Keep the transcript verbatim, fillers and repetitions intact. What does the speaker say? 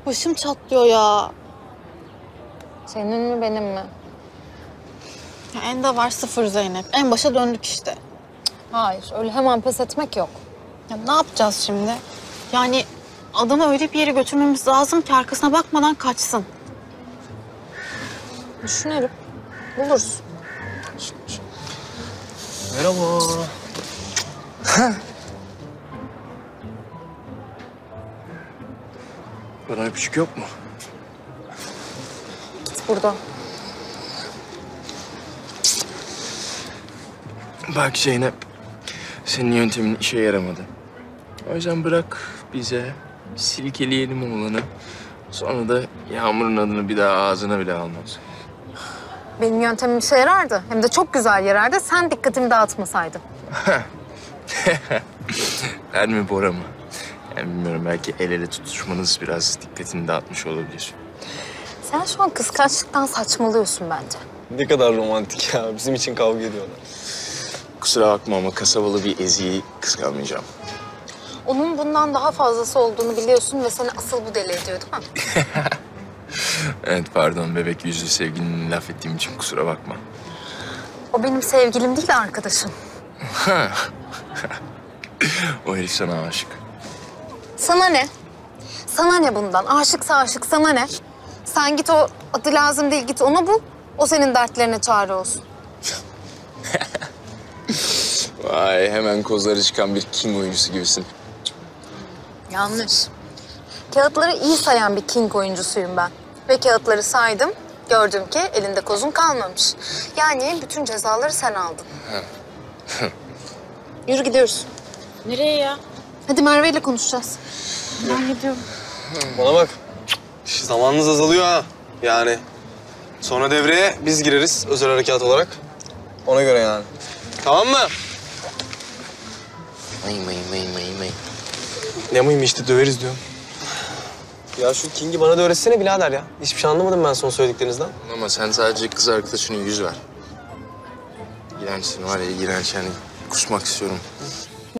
Başım çatlıyor ya. Senin mi benim mi? Ya Enda var sıfır Zeynep. En başa döndük işte. Hayır, öyle hemen pes etmek yok. Ya ne yapacağız şimdi? Yani adamı öyle bir yere götürmemiz lazım ki arkasına bakmadan kaçsın. Düşünelim. Buluruz. Merhaba. Bana öpücük yok mu? Git buradan. Bak Zeynep, senin yöntemin işe yaramadı. O yüzden bırak bize, silkeleyelim oğlanı. Sonra da Yağmur'un adını bir daha ağzına bile almaz. Benim yöntemim işe yarardı. Hem de çok güzel yarardı. Sen dikkatimi dağıtmasaydın. Ben mi Bora mı? Yani bilmiyorum, belki el ele tutuşmanız biraz dikkatini dağıtmış olabilir. Sen şu an kıskançlıktan saçmalıyorsun bence. Ne kadar romantik ya. Bizim için kavga ediyorlar. Kusura bakma ama kasabalı bir Ezi'yi kıskanmayacağım. Onun bundan daha fazlası olduğunu biliyorsun ve seni asıl bu deli ediyor değil mi? Evet pardon, bebek yüzlü sevgilini laf ettiğim için kusura bakma. O benim sevgilim değil, arkadaşım. O herif sana aşık. Sana ne? Sana ne bundan? Aşıksa aşık, sana ne? Sen git, o adı lazım değil, git onu bul. O senin dertlerine çare olsun. Vay, hemen kozları çıkan bir king oyuncusu gibisin. Yanlış. Kağıtları iyi sayan bir king oyuncusuyum ben. Ve kağıtları saydım, gördüm ki elinde kozun kalmamış. Yani bütün cezaları sen aldın. Yürü gidiyoruz. Nereye ya? Hadi Merve ile konuşacağız. Ben gidiyorum. Bana bak. Şş, zamanınız azalıyor ha. Yani. Sonra devreye biz gireriz özel harekat olarak. Ona göre yani. Tamam mı? May may may may may. Ne mıyım işte, döveriz diyorum. Ya şu King'i bana da öğretsene birader ya. Hiçbir şey anlamadım ben son söylediklerinizden. Ama sen sadece kız arkadaşına yüz ver. İğrençsin var ya, iğrenç yani. Kusmak istiyorum.